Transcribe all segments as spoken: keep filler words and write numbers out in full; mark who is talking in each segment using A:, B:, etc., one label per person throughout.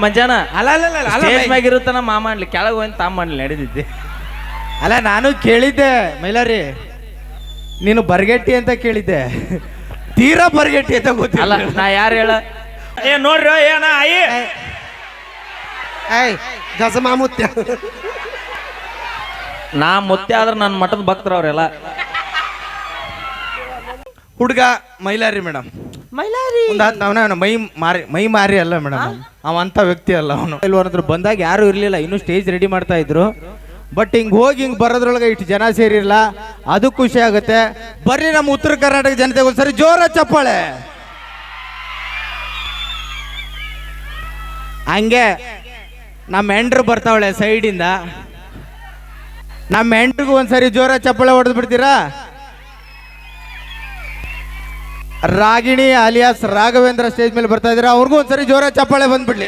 A: ಮಂಜಾನ
B: ಅಲ್ಲ ಅಲ್ಲ ಅಲ್ಲ ಅಲ್ಲ
A: ಸ್ಟೇಜ್ ಮ್ಯಾಗ ಇರುತ್ತಾನ ಮಾಮ ಅನ್ಲಿ ಕೆಳಗೆ ಹೋಗಿ ತಾಮ ಅನ್ಲಿ ನಡೆದಿದ್ದೆ.
B: ಅಲ್ಲ ನಾನು ಕೇಳಿದ್ದೆ ಮೈಲಾರಿ, ನೀನು ಬರ್ಗೆಟ್ಟಿ ಅಂತ ಕೇಳಿದ್ದೆ, ತೀರಾ ಬರ್ಗೆಟ್ಟಿ ಅಂತ ಗೊತ್ತಿಲ್ಲ.
A: ನಾ ಯಾರು ಹೇಳ
C: ಏ ನೋಡ್ರಿ ಏನ ಆಯಿ
D: ಏಯ್ ಗಜಮಾ ಮುತ್ಯ
A: ನಾ ಮುತ್ತೆ ಆದ್ರೆ ನನ್ನ ಮಠದ ಭಕ್ತರು ಅವರೆಲ್ಲ.
B: ಹುಡುಗ ಮೈಲಾರಿ ಮೇಡಮ್,
E: ಮೈಲಾರಿ
B: ಅವನ ಮೈ ಮಾರಿ ಮೈ ಮಾರಿ ಅಲ್ಲ ಮೇಡಮ್, ಅವ ಅಂತ ವ್ಯಕ್ತಿ ಅಲ್ಲ ಅವನು. ಇಲ್ವರಂದ್ರು ಬಂದಾಗ ಯಾರು ಇರ್ಲಿಲ್ಲ, ಇನ್ನೂ ಸ್ಟೇಜ್ ರೆಡಿ ಮಾಡ್ತಾ ಇದ್ರು. ಬಟ್ ಹಿಂಗ್ ಹೋಗಿ ಹಿಂಗ್ ಬರೋದ್ರೊಳಗೆ ಇಷ್ಟು ಜನ ಸೇರಿರಲ್ಲ, ಅದು ಖುಷಿ ಆಗುತ್ತೆ. ಬರ್ರಿ ನಮ್ಮ ಉತ್ತರ ಕರ್ನಾಟಕ ಜನತೆಗೆ ಒಂದ್ಸರಿ ಜೋರ ಚಪ್ಪಾಳೆ. ಹಂಗೆ ನಮ್ಮ ಹೆಂಡ್ರು ಬರ್ತಾವಳೆ ಸೈಡಿಂದ, ನಮ್ಮ ಹೆಂಡ್ರಿಗೂ ಒಂದ್ಸರಿ ಜೋರ ಚಪ್ಪಾಳೆ ಹೊಡೆದು ಬಿಡ್ತೀರಾ? ರಾಗಿಣಿ ಅಲಿಯಾಸ್ ರಾಘವೇಂದ್ರ ಸ್ಟೇಜ್ ಮೇಲೆ ಬರ್ತಾ ಇದ್ದೀರಾ, ಅವ್ರಿಗೂ ಒಂದ್ಸರಿ ಜೋರ ಚಪ್ಪಾಳೆ ಬಂದ್ಬಿಡ್ಲಿ.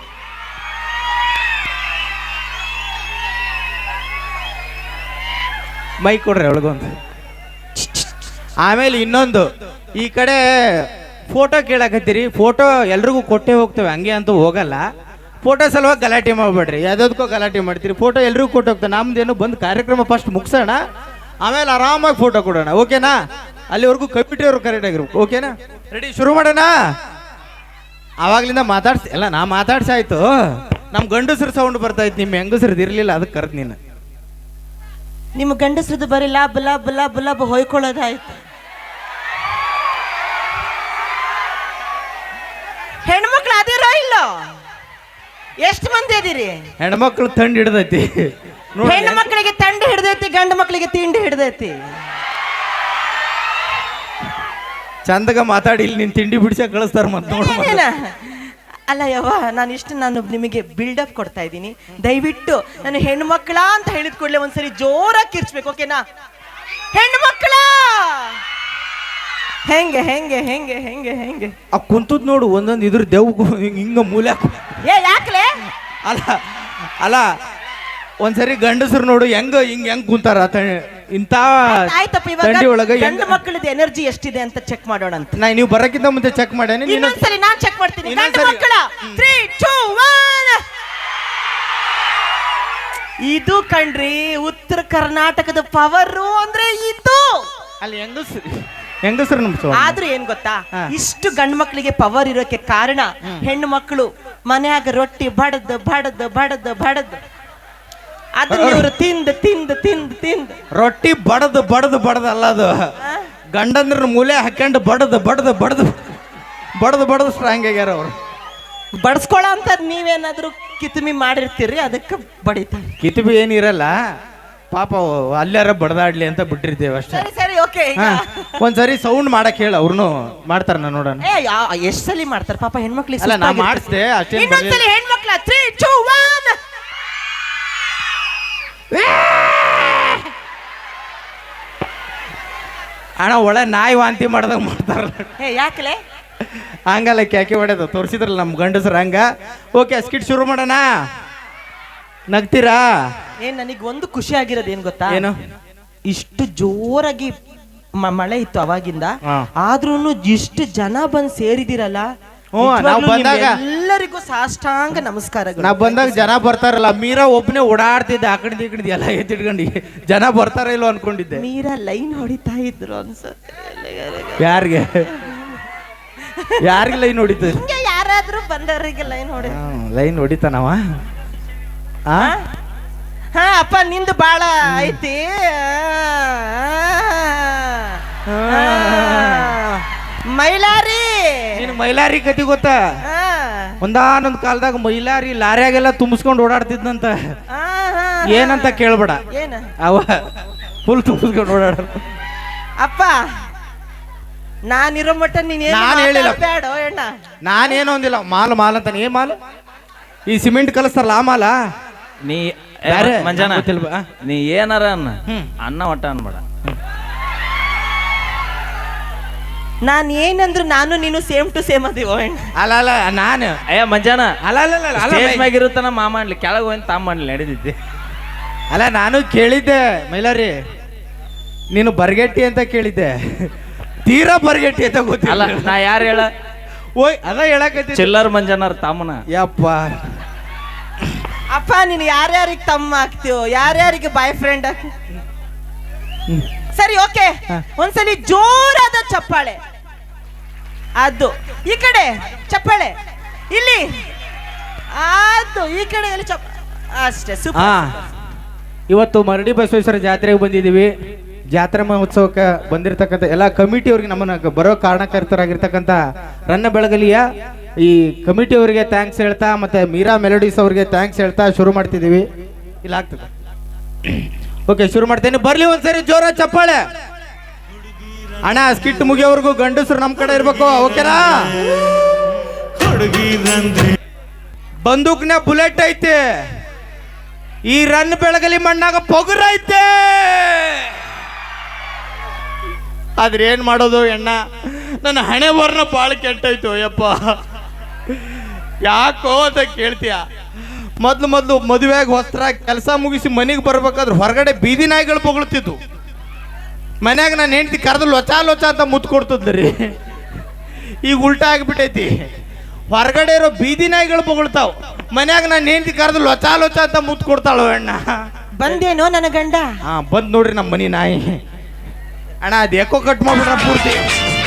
B: ಮೈಕ್ ಕೊಡ್ರಿ ಒಳಗೊಂದು. ಆಮೇಲೆ ಇನ್ನೊಂದು, ಈ ಕಡೆ ಫೋಟೋ ಕೇಳಕತ್ತೀರಿ, ಫೋಟೋ ಎಲ್ರಿಗೂ ಕೊಟ್ಟೆ ಹೋಗ್ತೇವೆ, ಹಂಗೆ ಅಂತೂ ಹೋಗಲ್ಲ. ಫೋಟೋ ಸಲುವಾಗಿ ಗಲಾಟೆ ಮಾಡ್ಬೇಡ್ರಿ, ಯಾವುದಕ್ಕೂ ಗಲಾಟೆ ಮಾಡ್ತೀರಿ. ಫೋಟೋ ಎಲ್ರಿಗೂ ಕೊಟ್ಟು ಹೋಗ್ತೇವೆ, ನಮ್ದೇನು ಬಂದು ಕಾರ್ಯಕ್ರಮ ಫಸ್ಟ್ ಮುಗಿಸೋಣ, ಆಮೇಲೆ ಆರಾಮಾಗಿ ಫೋಟೋ ಕೊಡೋಣ, ಓಕೆನಾ? ಅಲ್ಲಿವರೆಗೂ ಕಮಿಟಿ ಅವರು ಕರೆಕ್ಟ್ ಆಗಿರ್ಬೇಕು, ಓಕೆನಾ? ರೆಡಿ, ಶುರು ಮಾಡೋಣ. ಆವಾಗ್ಲಿಂದ ಮಾತಾಡ್ಸಿ ಎಲ್ಲ ನಾ ಮಾತಾಡ್ಸಾಯ್ತು, ನಮ್ಮ ಗಂಡಸ್ರ ಸೌಂಡ್ ಬರ್ತಾ ಇತ್ತು, ನಿಮ್ಮ ಹೆಂಗಸ್ರದ್ದು ಇರಲಿಲ್ಲ, ಅದಕ್ಕೆ ಕರೆದು ನೀನು.
E: ನಿಮ್ಮ ಗಂಡಸ್ರದ್ದು ಬರೀ ಲಾಭ ಲಾಭ ಲಾಭ ಲಾಭ ಹೊಯ್ಕೊಳ್ಳೋದಾಯ್ತು. ಹೆಣ್ಮಕ್ಳು ಅದಿರೋ ಇಲ್ಲೋ? ಎಷ್ಟು ಮಂದಿ ಅದೀರಿ?
B: ಹೆಣ್ಮಕ್ಳು ತಂಡ ಹಿಡ್ದೈತಿ.
E: ಹೆಣ್ಣು ಮಕ್ಕಳಿಗೆ ತಂಡ ಹಿಡ್ದೈತಿ, ಗಂಡು ಮಕ್ಕಳಿಗೆ ತಿಂಡಿ ಹಿಡ್ದೈತಿ.
B: ಚಂದಗ ಮಾತಾಡಿ, ಇಲ್ಲಿ ನೀನು ತಿಂಡಿ ಬಿಡಿಸ ಕಳಿಸ್ತಾರ ಮತ್ತೆ ನೋಡ.
E: ಅಲ್ಲ ಯವ್ವ, ನಾನು ಇಷ್ಟು ನಾನು ನಿಮಗೆ ಬಿಲ್ಡಪ್ ಕೊಡ್ತಾ ಇದ್ದೀನಿ. ದಯವಿಟ್ಟು ನಾನು ಹೆಣ್ಣು ಮಕ್ಕಳ ಅಂತ ಹೇಳಿದ ಕೂಡಲೇ ಒಂದ್ಸರಿ ಜೋರಾಗಿ ಕಿರ್ಚ್ಬೇಕು, ಓಕೆನಾ? ಹೆಣ್ಣು ಮಕ್ಕಳ ಹೆಂಗೆ ಹೆಂಗೆ ಹೆಂಗೆ ಹೆಂಗೆ ಹೆಂಗೆ
B: ಆ ಕುಂತದ್ ನೋಡು, ಒಂದೊಂದು ಇದ್ರ ದೇವ್ಗೂ ಹಿಂಗ ಮೂಲೆ.
E: ಏ ಯಾಕಲೆ?
B: ಅಲ್ಲ ಅಲ್ಲ ಒಂದ್ಸರಿ ಗಂಡಸರು ನೋಡು ಹೆಂಗ ಹಿಂಗ ಹೆಂಗ್ ಕುಂತಾರ ಇಂತ
E: ಆಯ್ತಪ್ಪ.
B: ತಂಡಿ ಒಳಗ
E: ಗಂಡು ಮಕ್ಕಳದ ಎನರ್ಜಿ ಎಷ್ಟಿದೆ ಅಂತ ಚೆಕ್ ಮಾಡೋಣ ಅಂತ.
B: ನಾ ನೀವು ಬರಕ್ಕಿಂತ ಮುಂದೆ ಚೆಕ್ ಮಾಡೇನಿ.
E: ಇನ್ನೊಂದ್ಸರಿ ನಾನ್ ಚೆಕ್ ಮಾಡ್ತೀನಿ. ಗಂಡು ಮಕ್ಕಳ ತ್ರೀ ಟೂ ಒನ್. ಇದು ಕಣ್ರಿ ಉತ್ತರ ಕರ್ನಾಟಕದ ಪವರು ಅಂದ್ರೆ ಇದು.
B: ಅಲ್ಲಿ ಹೆಂಗಸ್ರು ಹೆಂಗಸ್ರು ನಮ್ಸ.
E: ಆದ್ರೂ ಏನ್ ಗೊತ್ತಾ, ಇಷ್ಟು ಗಂಡು ಮಕ್ಕಳಿಗೆ ಪವರ್ ಇರೋಕೆ ಕಾರಣ ಹೆಣ್ಣು ಮಕ್ಕಳು ಮನ್ಯಾಗ ರೊಟ್ಟಿ ಬಡದ್ ಬಡದ್ ಬಡದ್ ಬಡದ್ ಅದನ್ನ ಇವರು ತಿಂದು ತಿಂದು ತಿಂದು ತಿಂದು
B: ರೊಟ್ಟಿ ಬಡದ್ ಬಡದ್ ಬಡದ್ ಅಲ್ಲ, ಅದು ಗಂಡಂದ್ರ ಮೂಲೆ ಹಾಕೊಂಡು ಬಡದ್ ಬಡದ್ ಬಡದ್ ಬಡದ್ ಬಡದ್ ಸ್ಟ್ರಾಂಗ್ ಆಗ್ಯಾರ ಅವ್ರು.
E: ಬಡ್ಸ್ಕೊಳ ಅಂತ ನೀವೇನಾದ್ರೂ ಕಿತ್ಮಿ ಮಾಡಿರ್ತೀರಿ, ಅದಕ್ಕೆ ಬಡಿತಾರೆ.
B: ಕಿತ್ಬಿ ಏನಿರಲ್ಲ ಪಾಪ, ಅಲ್ಲಾರ ಬಡದಾಡ್ಲಿ ಅಂತ ಬಿಟ್ಟಿರ್ತೇವೆ ಅಷ್ಟೇ.
E: ಸರಿ ಸರಿ ಓಕೆ.
B: ಒಂದ್ಸರಿ ಸೌಂಡ್ ಮಾಡಕ್ ಹೇಳ, ಅವ್ರನ್ನು ಮಾಡ್ತಾರ. ನಾ ನೋಡೋಣ
E: ಎಷ್ಟ್ ಸಲಿ ಮಾಡ್ತಾರೆ ಪಾಪ ಹೆಣ್ಮಕ್ಳಿಗೆ.
B: ಅಲ್ಲ ನಾ ಮಾಡಿಸ್ದೆ ಅಷ್ಟೇ.
E: ಇನ್ನೊಂದ್ಸಲಿ ಹೆಣ್ಮಕ್ಳ ತ್ರೀ ಟೂ ಒನ್.
B: ಅಣ್ಣ ಒಳ್ಳೆ ನಾಯಿ ವಾಂತಿ ಮಾಡ್ದಾಗ ಮಾಡ್ತಾರ.
E: ಹೇ ಯಾಕಲೆ?
B: ಹಂಗಲ್ಲ ಕ್ಯಾಕೆ ಹೊಡೆದು ತೋರಿಸಿದ್ರಲ್ಲ ನಮ್ಮ ಗಂಡಸ್ರ ಹಂಗ. ಓಕೆ, ಸ್ಕಿಟ್ ಶುರು ಮಾಡೋಣ. ನಗ್ತೀರಾ?
E: ಏನ್ ನನಗೆ ಒಂದು ಖುಷಿ ಆಗಿರೋದು ಏನ್ ಗೊತ್ತಾ?
B: ಏನು?
E: ಇಷ್ಟು ಜೋರಾಗಿ ಮಳೆ ಇತ್ತು ಅವಾಗಿಂದ, ಆದ್ರೂನು ಇಷ್ಟು ಜನ ಬಂದ್ ಸೇರಿದಿರಲ್ಲ, ಎಲ್ಲರಿಗೂ ಸಾಷ್ಟಾಂಗ ನಮಸ್ಕಾರಗಳು.
B: ನಾವ್ ಬಂದಾಗ ಜನ ಬರ್ತಾರಲ್ಲ, ಮೀರಾ ಒಬ್ಬನೇ ಓಡಾಡ್ತಿದ್ದೆ ಆ ಕಡೆ ಈ ಕಡೆ ಎಲ್ಲ ಎತ್ತಿಟ್ಕೊಂಡು, ಜನ ಬರ್ತಾರ ಇಲ್ವ ಅನ್ಕೊಂಡಿದ್ದೆ.
E: ಮೀರಾ ಲೈನ್ ಹೊಡಿತಾ ಇದ್ರು ಅನ್ಸುತ್ತೆ.
B: ಯಾರಿಗೆ ಯಾರಿಗೆ ಲೈನ್ ಹೊಡಿತ?
E: ಯಾರಾದ್ರೂ ಬಂದವರಿಗೆ ಲೈನ್ ಹೊಡಿ
B: ಲೈನ್ ಹೊಡಿತಾನವ.
E: ಹಾ ಅಪ್ಪ ನಿಂದು ಬಾಳ ಐತಿ. ಮೈಲಾರಿ,
B: ನಿನ್ ಮೈಲಾರಿ ಕತಿ ಗೊತ್ತಾ? ಒಂದಾನೊಂದ್ ಕಾಲದಾಗ ಮೈಲಾರಿ ಲಾರ್ಯಾಗೆಲ್ಲ ತುಂಬಿಸ್ಕೊಂಡು ಓಡಾಡ್ತಿದ್ನಂತ. ಏನಂತ ಕೇಳ್ಬೇಡ,
E: ಏನ
B: ಅವ ಫುಲ್ ತುಂಬಿಸ್ಕೊಂಡು ಓಡಾಡ.
E: ಅಪ್ಪ ನಾನಿರೋ ಮಟ್ಟ ನೀನ್
B: ನಾನ್ ಹೇಳಿಲ್ಲ,
E: ಬೇಡ ಅಣ್ಣ.
B: ನಾನೇನು ಅಂದಿಲ್ಲ. ಮಾಲ್ ಮಾಲ್ ಅಂತ ಏ ಮಾಲ್, ಈ ಸಿಮೆಂಟ್ ಕಲಿಸ್ತಾರಲ್ಲ ಆ ಮಾಲ.
A: ನೀ ಮಂಜಾನ ನೀ ಏನಾರ ಅನ್ನ ಅನ್ನ ಒಟ್ಟ ಅನ್ಬೇಡ.
E: ನಾನ್ ಏನಂದ್ರು ನಾನು ನೀನು ಸೇಮ್ ಟು ಸೇಮ್ ಅದೀವ.
B: ಅಲ್ಲ ಅಲ್ಲ ನಾನು
A: ಅಯ್ಯ ಮಂಜಾನ
B: ಅಲ್ಲ ಅಲ್ಲ ಅಲ್ಲ
A: ಸ್ಟೇಜ್ ಮ್ಯಾಗ ಇರುತ್ತಾನ ಮಾಮ ಅನ್ಲಿ ಕೆಳಗೆ ಹೋಗಿ ತಾಮ ಅನ್ಲಿ ನಡೆದಿದ್ದೆ.
B: ಅಲ್ಲ ನಾನು ಕೇಳಿದ್ದೆ ಮೈಲಾರಿ, ನೀನು ಬರ್ಗೆಟ್ಟಿ ಅಂತ ಕೇಳಿದ್ದೆ, ತೀರಾ ಬರ್ಗೆಟ್ಟಿ ಅಂತ ಗೊತ್ತಿಲ್ಲ.
A: ನಾ ಯಾರು ಹೇಳ?
B: ಓಯ್ ಅದ ಹೇಳಕತ್ತಿ
A: ಚಿಲ್ಲರ್ ಮಂಜಾನರ್ ತಮ್ಮನ.
B: ಯಪ್ಪ
E: ಅಪ್ಪ ನೀನು ಯಾರ್ಯಾರಿಗೆ ತಮ್ಮ ಆಗ್ತೀವೋ ಯಾರ್ಯಾರಿಗೆ ಬಾಯ್ ಫ್ರೆಂಡ್ ಸರಿ ಓಕೆ ಒಂದ್ಸಲಿ ಜೋರಾದ ಚಪ್ಪಾಳೆ. ಅದು ಈ ಕಡೆ ಚಪ್ಪಾಳೆ, ಇಲ್ಲಿ ಅದು ಈ ಕಡೆ ಎಲ್ಲಿ ಚಪ್ಪ ಅಷ್ಟೇ
B: ಹಾ
E: ಸೂಪರ್.
B: ಇವತ್ತು ಮರಡಿ ಬಸವೇಶ್ವರ ಜಾತ್ರೆಗೆ ಬಂದಿದ್ದೀವಿ. ಜಾತ್ರಾ ಮಹೋತ್ಸವಕ್ಕೆ ಬಂದಿರತಕ್ಕಂಥ ಎಲ್ಲ ಕಮಿಟಿಯವ್ರಿಗೆ ನಮ್ಮನ್ನ ಬರೋ ಕಾರಣಕರ್ತರಾಗಿರ್ತಕ್ಕಂಥ ರನ್ನ ಬೆಳಗಲಿಯ ಈ ಕಮಿಟಿಯವರಿಗೆ ಥ್ಯಾಂಕ್ಸ್ ಹೇಳ್ತಾ ಮತ್ತೆ ಮೀರಾ ಮೆಲೋಡಿಸ್ ಅವ್ರಿಗೆ ಥ್ಯಾಂಕ್ಸ್ ಹೇಳ್ತಾ ಶುರು ಮಾಡ್ತಿದ್ದೀವಿ. ಇಲ್ಲ ಆಗ್ತದೆ ಓಕೆ ಶುರು ಮಾಡ್ತೇನೆ. ಬರ್ಲಿ ಒಂದ್ಸರಿ ಜೋರ ಚಪ್ಪಾಳೆ. ಅಣ್ಣ ಸ್ಕಿಟ್ ಮುಗಿಯೋವರೆಗೂ ಗಂಡಸರು ನಮ್ಮ ಕಡೆ ಇರ್ಬೇಕು ಓಕೆನಾ? ಬಂದೂಕ್ನ ಬುಲೆಟ್ ಐತೆ, ಈ ರನ್ ಬೆಳಗಲಿ ಮಣ್ಣಾಗ ಪೊಗರ್ ಐತೆ. ಆದ್ರೆ ಏನ್ ಮಾಡೋದು ಎಣ್ಣ, ನನ್ನ ಹಣೆ ಬರ್ನ ಬಾಳ ಕೆಟ್ಟೈತು ಯಪ್ಪ. ಯಾಕೋ ಅಂತ ಕೇಳ್ತೀಯ? ಮೊದ್ಲು ಮೊದ್ಲು ಮದುವೆಯಾಗಿ ವಸ್ತ್ರ ಕೆಲಸ ಮುಗಿಸಿ ಮನೆಗೆ ಬರ್ಬೇಕಾದ್ರೆ ಹೊರಗಡೆ ಬೀದಿ ನಾಯಿಗಳು ಪೊಗಳ್ತಿದ್ವು. ಮನ್ಯಾಗ ನಾನು ಹೆಂಡತಿ ಕರೆದು ಲೊಚ ಲೊಚ ಅಂತ ಮುತ್ತು ಕೊಡ್ತದ್ರಿ. ಈಗ ಉಲ್ಟಾ ಆಗಿಬಿಟ್ಟೈತಿ. ಹೊರಗಡೆ ಇರೋ ಬೀದಿ ನಾಯಿಗಳು ಪೊಗಳ್ತಾವ, ಮನ್ಯಾಗ ನಾನು ಹೆಂಡತಿ ಕರೆದು ಲೊಚ ಲೊಚ ಅಂತ ಮುತ್ತು ಕೊಡ್ತಾಳು ಅಣ್ಣ.
E: ಬಂದೇನೋ ನನ್ನ ಗಂಡ?
B: ಹಾ ಬಂದ್ ನೋಡ್ರಿ ನಮ್ಮ ಮನಿ ನಾಯಿ. ಅಣ್ಣ ಅದು ಎಕೋ ಕಟ್ ಮಾಡ್ಬಿಟ್ರ ಪೂರ್ತಿ.